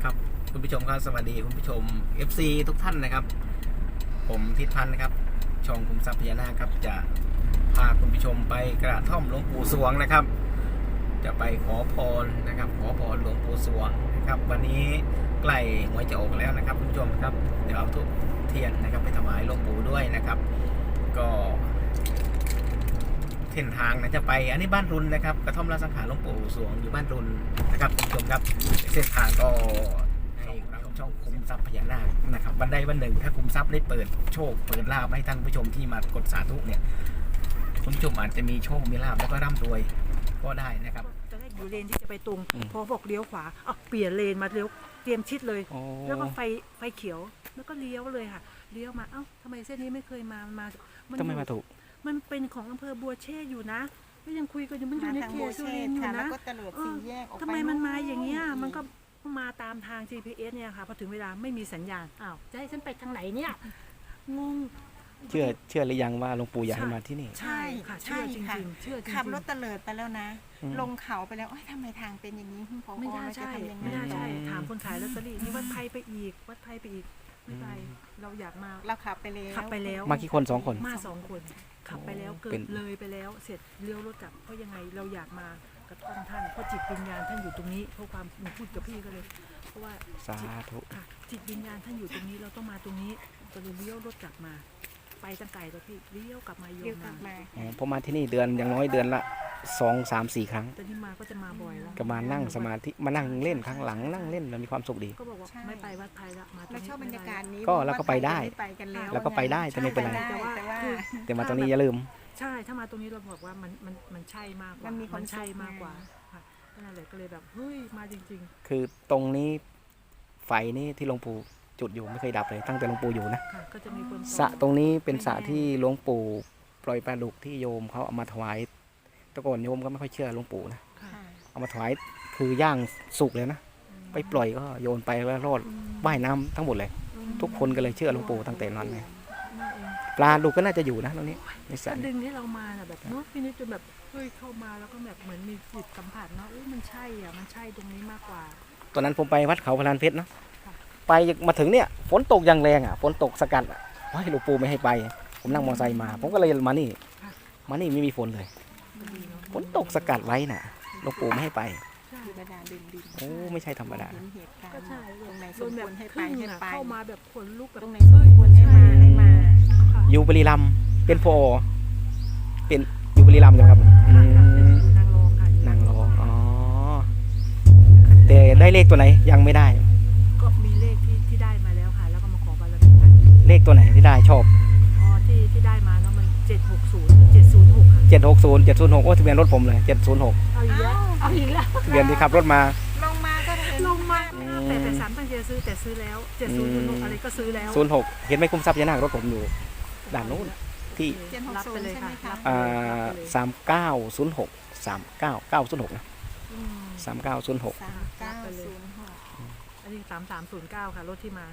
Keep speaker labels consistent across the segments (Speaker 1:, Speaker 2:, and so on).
Speaker 1: ครับคุณผู้ชมครับสวัสดีคุณผู้ชม FC ทุกท่านนะครับผมทิศพันธ์นะครับช่องคุมทรัพย์พญานาคครับจะพาคุณผู้ชมไปกระท่อมหลวงปู่สวงนะครับจะไปขอพรนะครับขอพรหลวงปู่สวงนะครับวันนี้ใกล้หวยจะออกแล้วนะครับคุณผู้ชมครับเดี๋ยวเอาทุกเทียนนะครับไปถวายหลวงปู่ด้วยนะครับก็เส้นทางนะจะไปอันนี้บ้านรุนนะครับกระท่อมราชสังขารหลวงปู่สวงอยู่บ้านรุนนะครับคุณผู้ชมครับเส้นทางก็ให้ช่องคุมทรัพย์พญานาคนะครับวันใดวันหนึ่งถ้าคุมทรัพย์ได้เปิดโชคเปิดลาภให้ท่านผู้ชมที่มากดสาธุเนี่ยคุณผู้ชมอาจจะมีโชคมีลาภแล้วก็ร่ำรวยก็ได้นะครับ
Speaker 2: จะได้อยู่เลนที่จะไปตรงพอบอกเลี้ยวขวาเปลี่ยนเลนมาเลี้ยวเตรียมชิดเลยแล้วก็ไฟเขียวแล้วก็เลี้ยวเลยค่ะเลี้ยวมาทำไมเส้นนี้ไม่เคยมา
Speaker 1: ทำไมมาถูก
Speaker 2: มันเป็นของอำเภอบัวเชษอยู่นะก็ยังคุยกันอยู่มันอยู่ในเขตสุรินทร์อยู่นะทำไมมันมาอย่างเงี้ยมันก็มาตามทาง GPS เนี่ยค่ะพอถึงเวลาไม่มีสัญญาณจะให้ฉันไปทางไหนเนี่ยงง
Speaker 1: เชื่อหรือยังว่าหลวงปู่อยากให้มาที่นี่
Speaker 3: ใช่ค่ะใช่ค่ะขับรถเตลิดไปแล้วนะลงเขาไปแล้วทำไมทางเป็นอย่างนี้คุณพ่อ
Speaker 2: ไม่ได้ใช่ไม่ได้ใช่ถามคนขายลอตเตอรี่นี่วัดไทยไปอีกไม่ไปเราอยากมา
Speaker 3: เราขับไปแล้ว
Speaker 1: มากี่คน2 คน
Speaker 2: มา2 คนขับไปแล้วเกิดเลยไปแล้วเสร็จเลี้ยวรถกลับเพราะยังไงเราอยากมากระท่อมท่านเพราะจิตวิญญาณท่านอยู่ตรงนี้เพราะความหนูพูดกับพี่ก็เลยเพราะว่า
Speaker 1: สาธุ
Speaker 2: ค่ะจิตวิญญาณท่านอยู่ตรงนี้เราต้องมาตรงนี้ก็เลยเลี้ยวรถกลับมาไปตั้งไกลตัวพี่เลี้ยวกลับมาโยมมา
Speaker 1: ผมมาที่นี่เดือนอย่างน้อยเดือนละ2, 3, 4 ครั้ง
Speaker 2: แต่นี่มาก็จะมาบ่อยแล้ว
Speaker 1: ก็มานั่งสมาธิมานั่งเล่นข้างหลังนั่งเล่นแล้วมีความสุขดี
Speaker 2: ก็บอกว่าไม่ไปวัดไทยละมา
Speaker 3: เราชอบบรรยากาศนี้
Speaker 1: ก็เราก็ไปได้แล้วก็ไปได้แต่ไม่เป็นไรแต่มาตรงนี้อย่าลืม
Speaker 2: ใช่ถ้ามาตรงนี้เราบอกว่ามันใช่มากกว่ามันใช่มากกว่าค่ะนั่นแหละก็เลยแบบเฮ้ยมาจริง
Speaker 1: ๆคือตรงนี้ไฟนี่ที่หลวงปู่จุดอยู่ไม่เคยดับเลยตั้งแต่หลวงปู่อยู่นะสระตรงนี้เป็นสระที่หลวงปู่ปล่อยปลาดุกที่โยมเขาเอามาถวายตะโกนโยมก็ไม่ค่อยเชื่อหลวงปู่นะเอามาถวายคือย่างสุกเลยนะไปปล่อยก็โยนไปแล้วรอดว่ายน้ำทั้งหมดเลยทุกคนก็เลยเชื่อหลวงปู่ตั้งแต่นั้นเลยปลาดุกก็น่าจะอยู่นะตรงนี้ในสระ
Speaker 2: ดึงให้เรามาแบบเนาะพี่นิดจนแบบเฮ้ยเข้ามาแล้วก็แบบเหมือนมีจิตสัมผัสเนาะมันใช่มันใช่ตรงนี้มากกว่า
Speaker 1: ตอนนั้นผมไปวัดเขาพลานเพชรเนาะไปมาถึงเนี่ยฝนตกอย่างแรงฝนตกสกัดให้หลวงปู่ไม่ให้ไปผมนั่งมอเตอร์ไซค์มาผมก็เลยมานี่ไม่มีฝนเลยฝนตกสกัดไว้น่ะหลวงปู่ไม่ให้ไปโอ้ไม่ใช่ธรรมดา
Speaker 2: ก็ใช่ตรงไหนสมควรให้ไปเข้ามาแบบขนลุกแบบ
Speaker 3: ตรงไหนสมควรให้มา
Speaker 1: อยู่บุรีรัมย์เป็นพอเป็นอยู่บุรีรัมย์ใช่ไหมครับนางรองอ๋อแต่ได้เลขตัวไหนยังไม่ได้
Speaker 2: ก็มีเลขที่ได้มาแล้วค่ะแล้วก็มาขอบารมีท่าน
Speaker 1: เลขตัวไหนที่ได้ชอบ
Speaker 2: ที่ได้มาเนาะมัน760 ค่ะ
Speaker 1: 760 706โอ้ทะเบียนรถผมเลย706
Speaker 2: เอาอีกแล้ว
Speaker 1: ทะเบียนที่ขับรถมา
Speaker 2: ลงมาแต่3ตั้งใจซื้อแต่ซื้อแล้ว706อะไรก็ซื้อแล้ว
Speaker 1: 06เห็นไหมคุ้มทรัพย์พญานาครถผมอยู่ด่านโน้นที่
Speaker 2: รับไปเลยค่ะ
Speaker 1: 3906 39906นะ3906
Speaker 2: อันนี้3309ค่ะรถที่มา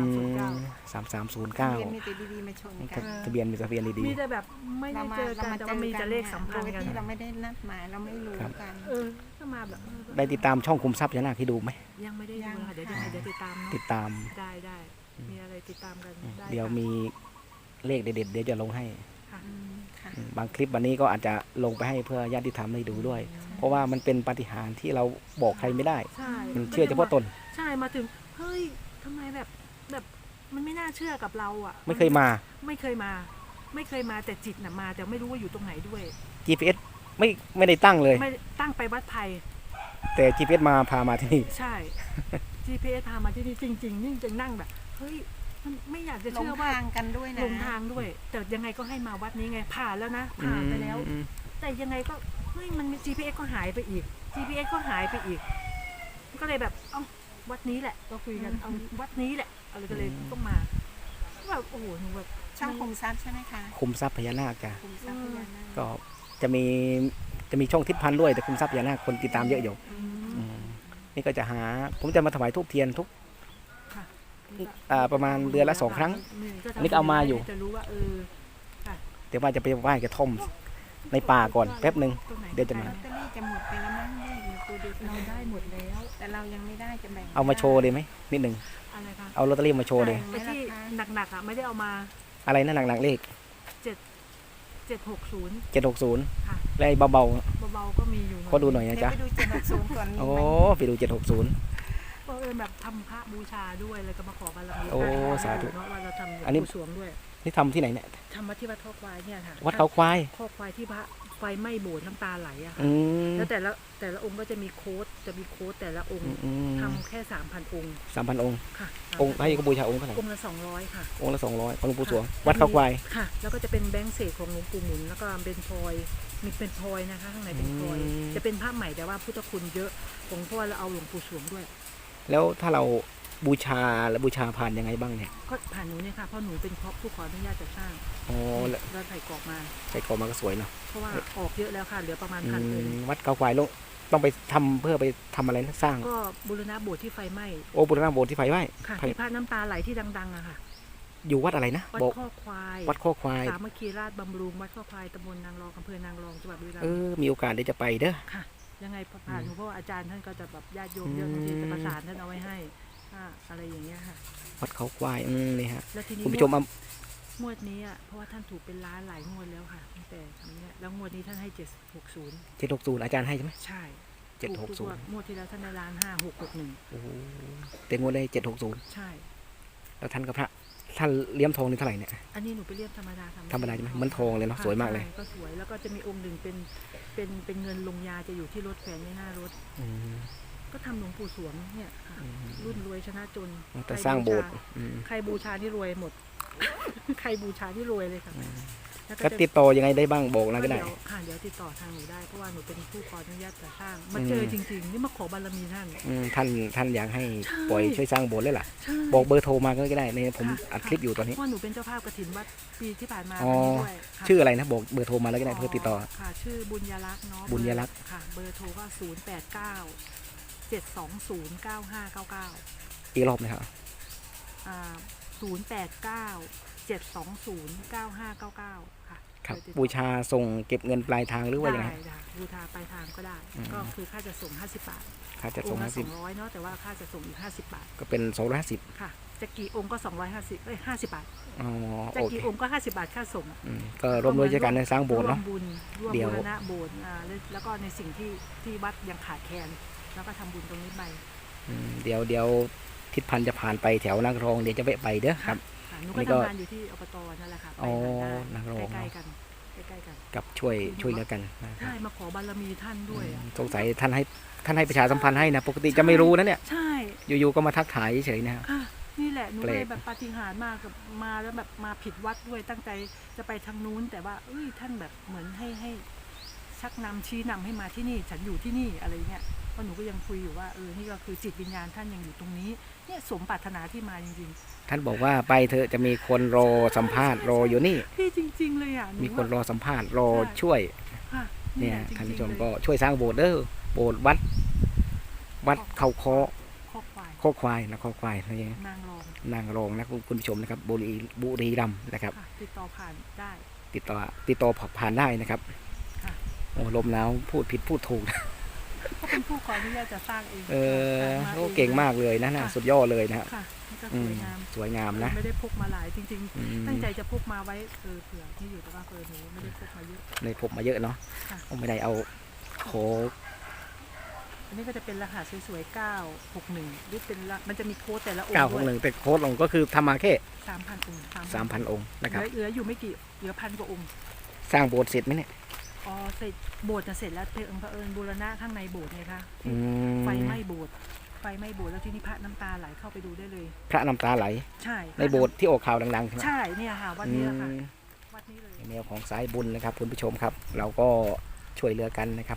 Speaker 1: 3309
Speaker 3: มีแต่ดีๆมาชนกัน
Speaker 1: ทะเบียนมีทะเบียนดีๆ
Speaker 2: มีแต่แบบไม่ได้เจอกันแต่ว่ามีแต่เลขสัมพันธ์กัน
Speaker 3: ที่เราไม่ได้นัดหมายเราไม่รู้กัน
Speaker 2: ก็มาแบบ
Speaker 1: ได้ติดตามช่องคุมทรัพย์พญานาคที่ดูไหม
Speaker 2: ยังไม่ได้ดูค่ะเดี๋ยวติดตามได้มีอะไรติดตามกัน
Speaker 1: เดี๋ยวมีเลขเด็ดๆเดี๋ยวจะลงให้บางคลิปวันนี้ก็อาจจะลงไปให้เพื่อญาติธรรมได้ดูด้วยเพราะว่ามันเป็นปาฏิหาริย์ที่เราบอกใครไม่ได้มันเชื่อเฉพาะตน
Speaker 2: ใช่มาถึงเฮ้ยทำไมแบบมันไม่น่าเชื่อกับเรา
Speaker 1: ไม่เคยมา
Speaker 2: แต่จิตน่ะมาแต่ไม่รู้ว่าอยู่ตรงไหนด้วย
Speaker 1: GPS ไม่ได้ตั้งเลย
Speaker 2: ไม่ตั้งไปวัดไทย
Speaker 1: แต่ GPS พามาที่นี่
Speaker 2: ใช่ GPS พามาที่นี่จริงๆนี่จึงนั่งแบบเฮ้ยมันไม่อยากจะเชื่อว่า
Speaker 3: ลงทางกันด้วยนะ
Speaker 2: ลงทางด้วยแต่ยังไงก็ให้มาวัดนี้ไงผ่านแล้วนะผ่านไปแล้วแต่ยังไงก็เฮ้ยมัน GPS ก็หายไปอีกก็เลยแบบวัดนี้แหละก็คุยกันเอาวัดนี้แหละอะไรก็เลยต้องมาแบบโอ้โหหนูแบบ
Speaker 3: ช่างคุมทรัพย์ใช่ไหมคะ
Speaker 1: คุมทรัพย์พญานาคจ้ะก็จะมีช่องทิศพันธ์ด้วยแต่คุมทรัพย์พญานาคคนติดตามเยอะอยู่นี่ก็จะผมจะมาถวายธูปเทียนทุกประมาณเดือนละ2 ครั้งอันนี้ก็เอามาอยู่แต่ว่าจะไปไหว้กระท่อมในป่าก่อนแป๊บนึงเดี๋ยวจะมา
Speaker 3: ปูดู
Speaker 2: เราได้หมดแล้ว
Speaker 3: แต่เรายังไม่ได้จะแบ่ง
Speaker 1: เอามาโชว์เลยไหมนิดหนึ่ง
Speaker 2: อะไรคะ
Speaker 1: เอาลอตเตอรี่มาโชว์เลย
Speaker 2: ไอ้ที่หนักๆอ่ะไม่ได้เอามา
Speaker 1: อะไรนะหนักๆเลข
Speaker 2: 760
Speaker 1: 760
Speaker 2: ค่ะ
Speaker 1: และไอ้เบา
Speaker 2: เบาๆก็มีอยู่
Speaker 1: ๆขอดูหน่อย
Speaker 3: เดี๋
Speaker 1: นะ
Speaker 3: ยว
Speaker 1: จ๊ะ
Speaker 3: ไปดู760ก่อนมี
Speaker 1: โอ้
Speaker 3: ไหม
Speaker 1: ไปดู760
Speaker 2: เพราะแบบทำพระบูชาด้วยเลยก็มาขอบารมี
Speaker 1: โอ้สาธุ
Speaker 2: เนาะว่าเราทำ
Speaker 1: อันนี้
Speaker 2: บูสวงด้วย
Speaker 1: นี่ทำที่ไหนเนี่ย
Speaker 2: ทำมาที่วัดข้อควายเนี่ยค่ะ
Speaker 1: วัดเขาควาย
Speaker 2: ข้อควายที่พระไฟไหม้โบสถ์น้ำตาไหลอะค่ะ
Speaker 1: อืม
Speaker 2: แล้วแต่ละองค์ก็จะมีโค้ดแต่ละองค์ ทำแค่ 3,000 องค์
Speaker 1: 3,000 องค์
Speaker 2: ค่ะ
Speaker 1: องค์ให้ก็บูชาองค์เท่าไหร่
Speaker 2: องค์ละ200ค่ะ
Speaker 1: องค์ละ200ของหลวงปู่สวง
Speaker 2: ค่ะ
Speaker 1: วัดเขาควาย
Speaker 2: ค่ะ แล้วก็จะเป็นแบงค์เศษของหลวงปู่หมุนแล้วก็เป็นพลอยมีเป็นพลอยนะคะข้างในเป็นพลอย
Speaker 1: อืม
Speaker 2: จะเป็นพระใหม่แต่ว่าพุทธคุณเยอะของพ่อเราเอาหลวงปู่สวงด้วย
Speaker 1: แล้วถ้าเราบูชาแล้วบูชาผ่านยังไงบ้างเนี่ย
Speaker 2: ก็ผ่านหนูเนี่ยค่ะเพราะหนูเป็นผู้ขออนุญาตจัดสร้าง
Speaker 1: อ๋อแล้ว
Speaker 2: เราใส่กรอบมา
Speaker 1: ใส่กรอบมาก็สวยเนาะ
Speaker 2: เพราะว่าออกเยอะแล้วค่ะเหลือประมาณ
Speaker 1: อื
Speaker 2: พันองค์
Speaker 1: มวัดเขาควายลงต้องไปทำเพื่อไปทำอะไรนะสร้าง
Speaker 2: ก็บูรณะโบสถ์ที่ไฟไหม้
Speaker 1: โอ้บุรณะโบสถ์ที่ไฟไหม้
Speaker 2: ค่ะ
Speaker 1: ไฟ
Speaker 2: ที่พระน้ำตาไหลที่ดังๆอะค่ะ
Speaker 1: อยู่วัดอะไรนะ
Speaker 2: วัด
Speaker 1: บอก
Speaker 2: ข้อควาย
Speaker 1: วัดข้อควาย
Speaker 2: สามัคคีราชบำรุงวัดข้อควายตำบลนางรองอำเภอนางรองจังหวัดบุรีรัม
Speaker 1: เอ
Speaker 2: ย์
Speaker 1: อมีโอกาสเดี๋ยวจะไปเด้อ
Speaker 2: ค่ะ ยังไงผ่านหนูเพราะว่าอาจารย์ท่านก็จะแบบญาติโยมเยอะบางทีจะประสานท่านเอาไว้ให้อะไรอย่างเงี้ยค่ะ
Speaker 1: วัดเขาควายนี่ฮะ
Speaker 2: แล้วทีนี้
Speaker 1: คุณผู้ชมเอา
Speaker 2: งวดนี้อ่ะเพราะว่าท่านถูกเป็นล้านหลายงวดแล้วค่ะตั้งแต่ทำเนี่ยแล้วงวดนี้ท่านให้760
Speaker 1: 760อาจารย์ให้ใช่ไหม
Speaker 2: ใช่
Speaker 1: 760
Speaker 2: ถูกทุกงวดที่แล้วท่านได้ล้าน5661
Speaker 1: โอ้โหแต่งวดได้760
Speaker 2: ใช่
Speaker 1: แล้วท่านกับพระท่านเลี้ยมทองนี่เท่าไหร่เนี่ย
Speaker 2: อันนี้หนูไปเรียบธรรมดา
Speaker 1: ธรรมดาใช่ไหมเหมือนทองเลยเนาะสวยมากเลย
Speaker 2: ใช่ก็สวยแล้วก็จะมีองค์หนึ่งเป็นเงินลงยาจะอยู่ที่รถแขวนไว้หน้ารถ
Speaker 1: อืม
Speaker 2: ก็ทำหลวงปู่สวงเนี่ยค่ะ
Speaker 1: อืม
Speaker 2: รุ่นรวยชนะจน
Speaker 1: แต่สร้างโบสถ์อืม
Speaker 2: ใครบูชานี่รวยหมด ใครบูชานี่รวยเลยค่ะแล้ว
Speaker 1: ก็
Speaker 2: จะ
Speaker 1: ติดต่อยังไงได้บ้างบอกนะก็ได้
Speaker 2: เดี๋ยวค่ะเดี๋ยวติดต่อทางหนูได้เพราะว่าหนูเป็นผู้ขออนุญาตจัดสร้างมาเจอจริงๆนี่มาขอบารมีท่าน
Speaker 1: ท่านอยากให้
Speaker 2: ใช่
Speaker 1: ปล่อยช่วยสร้างโบสถ์เลยล่ะ
Speaker 2: ใช่
Speaker 1: บอกเบอร์โทรมาก็ได้ในผม
Speaker 2: ค่ะ
Speaker 1: อัดคลิปอยู่ตอนนี้
Speaker 2: เพราะหนูเป็นเจ้าภาพกฐินวัดปีที่ผ่านมา
Speaker 1: อ๋อ
Speaker 2: วันนี้ด้วยค่ะ
Speaker 1: ชื่ออะไรนะบอกเบอร์โทรมาแล้วก็ได้เพื่อติดต่อ
Speaker 2: ค่ะ ชื่อบุญยรักษ์เนาะ
Speaker 1: บุญยรักษ์
Speaker 2: ค่ะ เบอร์โทรก็089 720 9599
Speaker 1: อีกรอบนะครับ
Speaker 2: 089 720 9599 ค่ะ
Speaker 1: ครับ
Speaker 2: เดี๋ยวติดต่อ
Speaker 1: บูชาส่งเก็บเงินปลายทางหรือว่ายังไง
Speaker 2: ได้บูชาปลายทางก็ได้
Speaker 1: อืม
Speaker 2: ก็คือค่าจะส่ง50 บาท
Speaker 1: ค่าจะ
Speaker 2: อ
Speaker 1: ส่
Speaker 2: ง
Speaker 1: ง
Speaker 2: ค์ละ
Speaker 1: 50
Speaker 2: 200เนาะแต่ว่าค่าจะส่งอีก50 บาท
Speaker 1: ก็เป็น250
Speaker 2: ค่ะจะกี่องค์ก็250 50 บาท
Speaker 1: อ๋อ
Speaker 2: จะ
Speaker 1: โอเค
Speaker 2: กี่องค์ก็50 บาทค่าส่ง
Speaker 1: ก็ร่วมด้วยช่วยกันในสร้างโบสถ์เนาะ
Speaker 2: ร่วมบุญร่วม
Speaker 1: เดี๋ยว
Speaker 2: บูรณะโบสถ์แล้วก็ในสิ่งที่วัดยังขาดแคลนแล้วก็ทำบุญตรงนี้ไป
Speaker 1: เดี๋ยวทิศพันธ์จะผ่านไปแถวนางรองเดี๋ยวจะแวะไปเด้อครับ
Speaker 2: ค่ะหนู
Speaker 1: นี่
Speaker 2: ก็
Speaker 1: ก็
Speaker 2: ทำงานอยู่ที่อบตนั่นแหละค่ะไป
Speaker 1: อ๋อ
Speaker 2: ได้
Speaker 1: นางรอง
Speaker 2: ใกล้ๆกันใกล้ๆกัน
Speaker 1: กับช่วยเหลือกันนะครั
Speaker 2: ใช่
Speaker 1: บ
Speaker 2: มาขอบารมีท่านด้วยอะ
Speaker 1: สงสัยท่านให้ประชาสัมพันธ์ให้นะปกติจะไม่รู้นะเนี่ย
Speaker 2: ใช่
Speaker 1: อยู่ๆก็มาทักทายเฉยๆนะครับ
Speaker 2: ค่ะนี่แหละหนู
Speaker 1: แปล
Speaker 2: เล
Speaker 1: ก
Speaker 2: ยแบบปาฏิหาริย์มากกับมาแล้วแบบมาผิดวัดด้วยตั้งใจจะไปทางนู้นแต่ว่าท่านแบบเหมือนให้ชักนำชี้นำให้มาที่นี่ฉันอยู่ที่นี่อะไรเงี้ยเพราะหนูก็ยังคุยอยู่ว่านี่ก็คือจิตวิญญาณท่านยังอยู่ตรงนี้เนี่ยสมปรารถนาที่มาจริง
Speaker 1: ท่านบอกว่าไปเถอะจะมีคนรอสัมภาษณ์รออยู่นี่
Speaker 2: ๆพี่จริง ๆ เลยอ่ะห
Speaker 1: มีคนรอสัมภาษณ์รอช่วย
Speaker 2: ค่ะ
Speaker 1: เนี่ย
Speaker 2: แหละจริงๆ
Speaker 1: ท่านผู้ชม
Speaker 2: เลย
Speaker 1: ก็ช่วยสร้างโบสถ์เด้อโบสถ์วัดเขาคอ
Speaker 2: ข้อควาย
Speaker 1: โคกควายนะโคกควายอะไรอย่างเงี้ย
Speaker 2: นางรอง
Speaker 1: นางรองนะคุณผู้ชมนะครับบุรีรัมย์นะครับ
Speaker 2: ค่ะติดต่อผ่านได้
Speaker 1: ติดต่อผ่านได้นะครับ
Speaker 2: ค่ะ
Speaker 1: โอ้ลมหนาวพูดผิดพูดถูก
Speaker 2: ก็เป็นผู้ขออนุญาตจะสร้างเอง
Speaker 1: โอ้เก่งมากเลยนะสุดยอดเลยนะฮะ
Speaker 2: ค่ะนี่ก็
Speaker 1: อื
Speaker 2: ส
Speaker 1: ม
Speaker 2: วยงาม
Speaker 1: สวยงามนะ
Speaker 2: ไม่ได้พกมาหลายจริง
Speaker 1: อืม
Speaker 2: ๆ ตั้งใจจะพกมาไว้เผื่อที่อยู่แต่ว่าหนูไม่ได้พกมาเยอะ
Speaker 1: ในพบมาเยอะเนาะ
Speaker 2: ค่ะ
Speaker 1: ไม่ได้เอาโค
Speaker 2: อันนี้ก็จะเป็นรหัสสวยๆ961หรือเป็นมันจะมีโค้ดแต่ละองค์
Speaker 1: 961แต่โค้ดลงก็คือทำมาแค่
Speaker 2: 3,000 องค์
Speaker 1: 3,000 องค์นะครับ
Speaker 2: เหลืออยู่ไม่กี่เหลือ1,000 กว่าองค์
Speaker 1: สร้างโบสถ์เสร็จไหมเนี่ย
Speaker 2: อ๋อเสร็จโบสถ์จะเสร็จแล้วเผอิญบูรณะข้างในโบสถ์ไงคะ
Speaker 1: อืม
Speaker 2: ไฟไหม้โบสถ์แล้วที่นี่พระน้ำตาไหลเข้าไปดูได้เลย
Speaker 1: พระน้ำตาไหล
Speaker 2: ใช่
Speaker 1: ในโบสถ์ที่ออกข่าวดังๆใช่ไหม
Speaker 2: ใช่เนี่ยค่ะวัดนี้แหละค่ะ
Speaker 1: อืม
Speaker 2: วัดนี้เลย
Speaker 1: แนวของสายบุญนะครับคุณผู้ชมครับ เราก็ช่วยเหลือกันนะครับ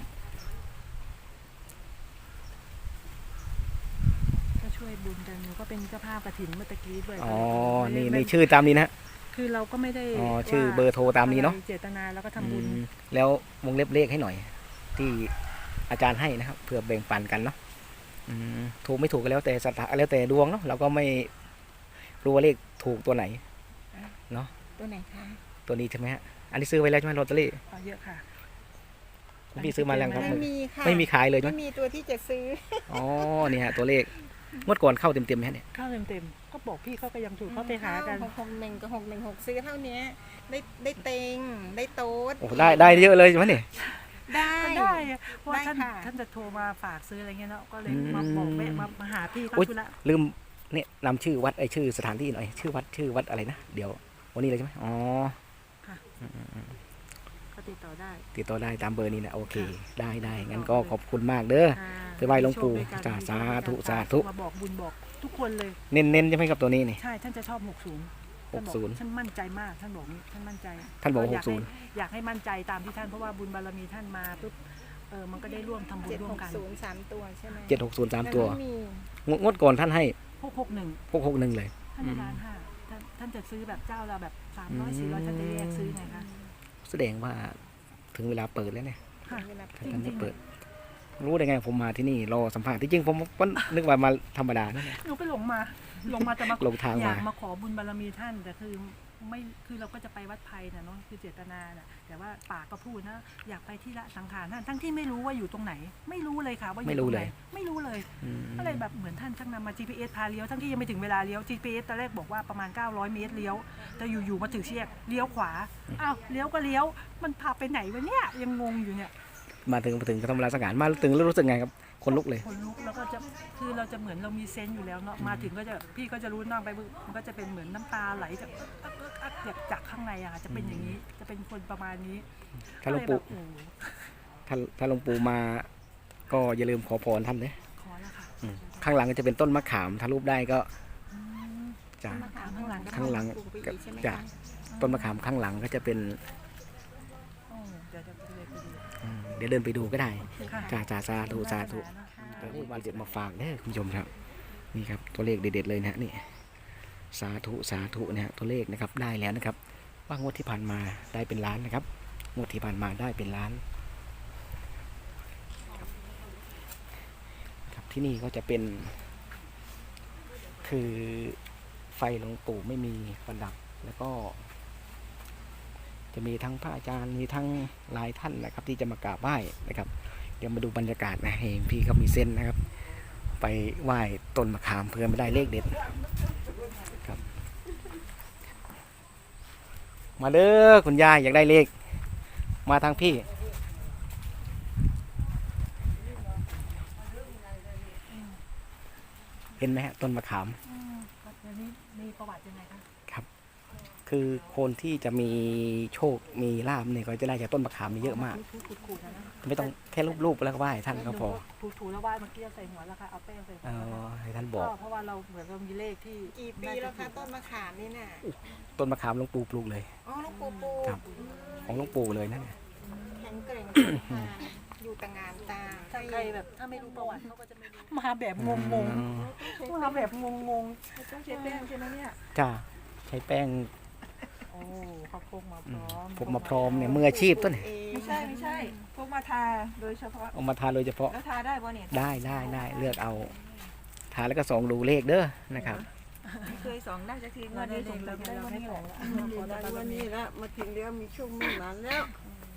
Speaker 2: ก็ช่วยบุญกันหนูก็เป็นเจ้าภาพกฐินเมื่อตะกี้ด้วย
Speaker 1: อ๋อ
Speaker 2: ไม่
Speaker 1: นี่
Speaker 2: ไม่
Speaker 1: ในชื่อตามนี้นะ
Speaker 2: คือเราก็ไม่ได้
Speaker 1: อ๋อชื่อเบอร์โทรตามนี้เนาะ
Speaker 2: เจตนาแล้วก็ทำบุญ
Speaker 1: แล้ววงเล็บเลขให้หน่อย ที่อาจารย์ให้นะครับเพื่อแบ่งปันกันเนาะถูกไม่ถูกก็แล้วแต่ศรัทธาแล้วแต่ดวงเนาะเราก็ไม่รู้ว่าเลขถูกตัวไหนเนาะ
Speaker 3: ตัวไหนคะ
Speaker 1: ตัวนี้ใช่ไหมฮะอันนี้ซื้อไว้แล้วใช่ไหมลอตเตอรี่
Speaker 2: เอาเยอะค่ะ
Speaker 1: พี่ซื้อมาแล้วครับ
Speaker 3: ไม่มีค่ะ
Speaker 1: ไม่มีขายเลยใช่
Speaker 3: ไม่
Speaker 1: ไหม
Speaker 3: มีตัวที่จะซื้อ
Speaker 1: อ๋อเนี่ยฮะตัวเลขงวดก่อนเข้าเต็มๆไหมฮะเนี่ย
Speaker 2: เข้าเต็มๆก็บอกพี่เขาก็ยังถูกเขาไปหากัน
Speaker 3: 661กับ616ซื้อเท่านี้ได้เต็งได้โต๊ด
Speaker 1: โอ้ได้เยอะเลยใช่ไหมเนี่ย
Speaker 3: ได้
Speaker 2: ก็ได้อะเพราะว่า
Speaker 3: ได้ค่ะ
Speaker 2: ท่านจะโทรมาฝากซื้ออะไรเงี้ยเนาะก็เลย
Speaker 1: อืม
Speaker 2: มาบอกแม่มาหาพี่เขา
Speaker 1: โอ๊ย
Speaker 2: ธุระ
Speaker 1: ลืมเนี่ยนำชื่อวัดชื่อสถานที่หน่อยชื่อวัดอะไรนะเดี๋ยววันนี้เลยใช่ไหมอ๋อ
Speaker 2: ก็ติดต่อได้
Speaker 1: ติดต่อได้ตามเบอร์นี้นะโอเคได้งั้นก็ขอบคุณมากเด้อ ไปไหว้หลวงปู่
Speaker 2: มีโชคด้วยกัน
Speaker 1: จ้า
Speaker 2: มีโชค
Speaker 1: สาธุ
Speaker 2: ด้วยกัน
Speaker 1: สาธุ
Speaker 2: มาบอกบุญบอกทุกคนเลย
Speaker 1: เน้นใช่ไหมครับตัวนี้นี่
Speaker 2: ใช่ท่านจะชอบ60ท่านบอก
Speaker 1: 60
Speaker 2: ท่านมั่นใจมากท่านบอกนี้ท่านมั่นใจ
Speaker 1: ท่านบอก
Speaker 2: อยากให้
Speaker 1: 60
Speaker 2: อยากให้มั่นใจตามที่ท่านเพราะว่าบุญบารมีท่านมาปุ๊บมันก็ได้ร่วมทำบุญร่วมกัน
Speaker 3: 760 3 ตัวใช่ไหม
Speaker 1: 760 3 ตัว
Speaker 3: ไม่มี
Speaker 1: งวดก่อนท่านให้
Speaker 2: 661
Speaker 1: 661เลย
Speaker 2: ท่านในร้านห้าท่านจะซื้อแบบเจ้าเราแบบ300 400ท่านจะแยกซื้อไงคะ
Speaker 1: แสดงว่าถึงเวลาเปิดแล้วเนี่ย
Speaker 2: ค่ะ
Speaker 3: เวลา
Speaker 1: ท่านไม่เปิด รู้ได้ไงผมมาที่นี่รอสัมภาษณ์ที่จริงผมก็นึกว่ามาธรรมดานั่นแหละ
Speaker 2: หนูไปหลงมาจะมา
Speaker 1: หลงทาง
Speaker 2: อยาก
Speaker 1: มา
Speaker 2: มาขอบุญบารมีท่านแต่คือเราก็จะไปวัดไผ่น่ะเนาะคือเจตนาน่ะแต่ว่าปากก็พูดนะอยากไปที่ละสังขารท่านทั้งที่ไม่รู้ว่าอยู่ตรงไหน ไม่รู้เลยค่ะว่าอยู่ตรงไหนไม่รู้เลย
Speaker 1: อืม
Speaker 2: อะไรแบบเหมือนท่านช่างนำมา GPS พาเลี้ยวทั้งที่ยังไม่ถึงเวลาเลี้ยว GPS ตอนแรกบอกว่าประมาณ900เมตรเลี้ยวแต่อยู่ๆมาถึงเชียกเลี้ยวขวาอ้าวเลี้ยวก็เลี้ยวมันพาไปไหนวะเนี่ยยังงงอยู่เนี่ย
Speaker 1: มาถึงก็ทำเวลาสังหารมาถึงแล้วรู้สึกไงครับคนลุกเลย
Speaker 2: คนลุกแล้วก็จะคือเราจะเหมือนเรามีเซนส์อยู่แล้วเนาะมาถึงก็จะพี่ก็จะรู้นั่งไปปุ๊บมันก็จะเป็นเหมือนน้ำตาไหลจากจากข้างในอะค่ะจะเป็นอย่างนี้จะเป็นคนประมาณนี้
Speaker 1: ถ้าหลวงปู่
Speaker 2: ก็เลยแบบโอ้โห
Speaker 1: ถ้าหลวงปู่มา ก็อย่าลืมขอพรท่านเลย
Speaker 2: ขอแล้วค่ะ
Speaker 1: ข้างหลังก็จะเป็นต้นมะขามถ้ารูปได้ก็
Speaker 2: อืม
Speaker 1: จะ
Speaker 2: ต้นมะขามข้างหลังก็
Speaker 1: ข้างหลัง
Speaker 3: ปลูกไป
Speaker 1: ก็
Speaker 3: อีกใช่ไหม
Speaker 1: จะ
Speaker 3: คะ
Speaker 1: ต้นมะขามข้างหลังก็จะเป็น
Speaker 2: โอ้เดี๋ยวจะไปเลยไปดู
Speaker 1: เดี๋ยวเดินไปดูก็ได้
Speaker 2: ค่ะ
Speaker 1: จ้าสาธุวันเจ็ดมาฝากเด้อคุณผู้ชมครับ นี่ครับตัวเลขเด็ดๆเลยนะฮะนี่สาธุนะฮะตัวเลขนะครับได้แล้วนะครับว่างวดที่ผ่านมาได้เป็นล้านนะครับงวดที่ผ่านมาได้เป็นล้านครับที่นี่ก็จะเป็น คือไฟหลวงปู่ไม่มีประดับแล้วก็ จะมีทั้งพระอาจารย์มีทั้งหลายท่านนะครับ ที่จะมากราบไหว้นะครับ เดี๋ยวมาดูบรรยากาศนะเห็นพี่เขามีเส้นนะครับ ไปไหว้ต้นมะขามเพื่อไม่ได้เลขเด็ดครับ มาเด้อคุณยายอยากได้เลข มาทางพี่ เห็นไหมฮะต้นมะขาม
Speaker 2: ครับอันนี้มีประวัติยังไงคะ
Speaker 1: คือคนที่จะมีโชคมีลาภเนี่ยก็จะได้จากต้นมะขามนี่เยอะมาก
Speaker 2: ขูดๆนะ
Speaker 1: ไม่ต้องแค่รูปๆแล้วก็ไหว้ท่านก็พอ
Speaker 2: ถูแล้วไหว้เมื่อกี้ใส่หัวแล้วค่ะเอาแป้งใส่หัว
Speaker 1: ให้ท่านบอก
Speaker 2: เพราะว่าเราเหมือนเรามีเลขที่
Speaker 3: กี่ปีแล้วคะต้นมะขามนี่น่ะ
Speaker 1: ต้นมะขามหลวงปู่ปลูกเลย
Speaker 3: อ๋อหลูกปูปู
Speaker 1: ครับ ของหลวงปู่เลยนั่นเนี่ย
Speaker 3: แข็งเกร่งค่ะอยู่แต่งานตา
Speaker 2: ถ้าใครแบบถ้าไม่รู้ประวัติเขาก็จะไม่รู้มาแบบงงๆมาแบบงงๆต้องใช้แป้งใช่ไหมเนี่ย
Speaker 1: จ้าใช้แป้ง
Speaker 2: โอ้เขาพกมาพร้อม
Speaker 1: ผมมาพร้อมเนี่ยมืออาชีพต้นเนี่ย
Speaker 3: ไม่ใช่
Speaker 4: พวกมาทาโดยเฉพาะ
Speaker 1: เอามาทาโดยเฉพาะ
Speaker 4: แล้วทาได้ป่ะเนี่ย
Speaker 1: ได้เลือกเอาทาแล้วก็ส่องดูเลขเด้อนะครับ
Speaker 4: ไม่เคยสองได้สักที
Speaker 2: เรา
Speaker 4: วัน
Speaker 2: ได้
Speaker 4: นี้
Speaker 2: เล
Speaker 4: ส
Speaker 2: ข
Speaker 4: ง
Speaker 2: เรา
Speaker 4: ได้
Speaker 2: ได้
Speaker 4: วัน
Speaker 2: ให้
Speaker 4: นี้
Speaker 2: ข
Speaker 4: แห
Speaker 2: อ
Speaker 4: ละ
Speaker 2: งแล้วขอได้
Speaker 5: ได้วันนี้แล้วมาถึงแล้วมีช่วงมีหลานแล้ว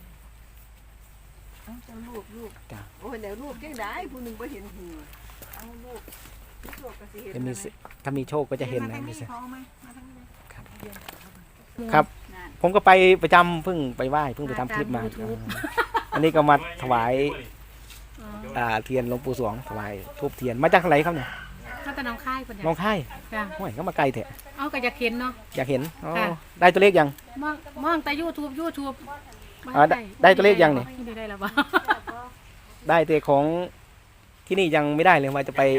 Speaker 4: เอาเจ้าลูก
Speaker 1: จ้ะ
Speaker 5: โอ้ยเดี๋ยวลูกยังได้ผู้หนึ่งไปเห็นหู
Speaker 4: เอาลูกลูกก็สิเห็น
Speaker 1: จะมีสิถ้ามีโชคก็จะเห็น
Speaker 3: มา
Speaker 1: นะ
Speaker 3: ทาง
Speaker 1: มี
Speaker 3: นี้
Speaker 1: สิ
Speaker 3: พอไหมมาทางนี้เลย
Speaker 1: ครับ ผมก็ไปประจำเพิ่งไปไหว้เพิ่งไปทำคลิปมาอันนี้ก็มาถวายเทียนหลวงปู่สวงถวายทูบเทียนมาจากไหนครับเนี่ย
Speaker 6: มาแต่น้องค่ายคน
Speaker 1: น้
Speaker 6: เนี่
Speaker 1: อย งค่าย
Speaker 6: จ้ะ
Speaker 1: โอ้ยก็มาไกลเถอะ
Speaker 6: เอาก็จะเข็นเนาะ
Speaker 1: อยากเห็นอ๋อ
Speaker 6: ค่ะ
Speaker 1: ได้ตัวเลขยัง
Speaker 6: มองแต่ยูทูบ
Speaker 1: ได้ตัวเลขยังเนี่ย
Speaker 6: ไม่ได้แล้วบ่
Speaker 1: ได้แต่ของที่นี่ยังไม่ได้เลยว่าจะไป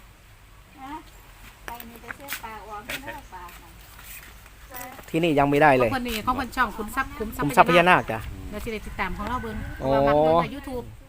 Speaker 3: ไปนี่จะเสื้อปลาออกไม่ได้ปลา
Speaker 1: ที่นี่ยังไม่ได้เลย
Speaker 6: ของคนนี้ของคนช่องขุนทรัพย์
Speaker 1: คุมทรัพย์พญานาคจ้ะ
Speaker 6: เราจะได้ติดตามของเราเบิ่งเพ
Speaker 1: โอ้
Speaker 6: ราะว่ามักเบิ่งในยูทูบ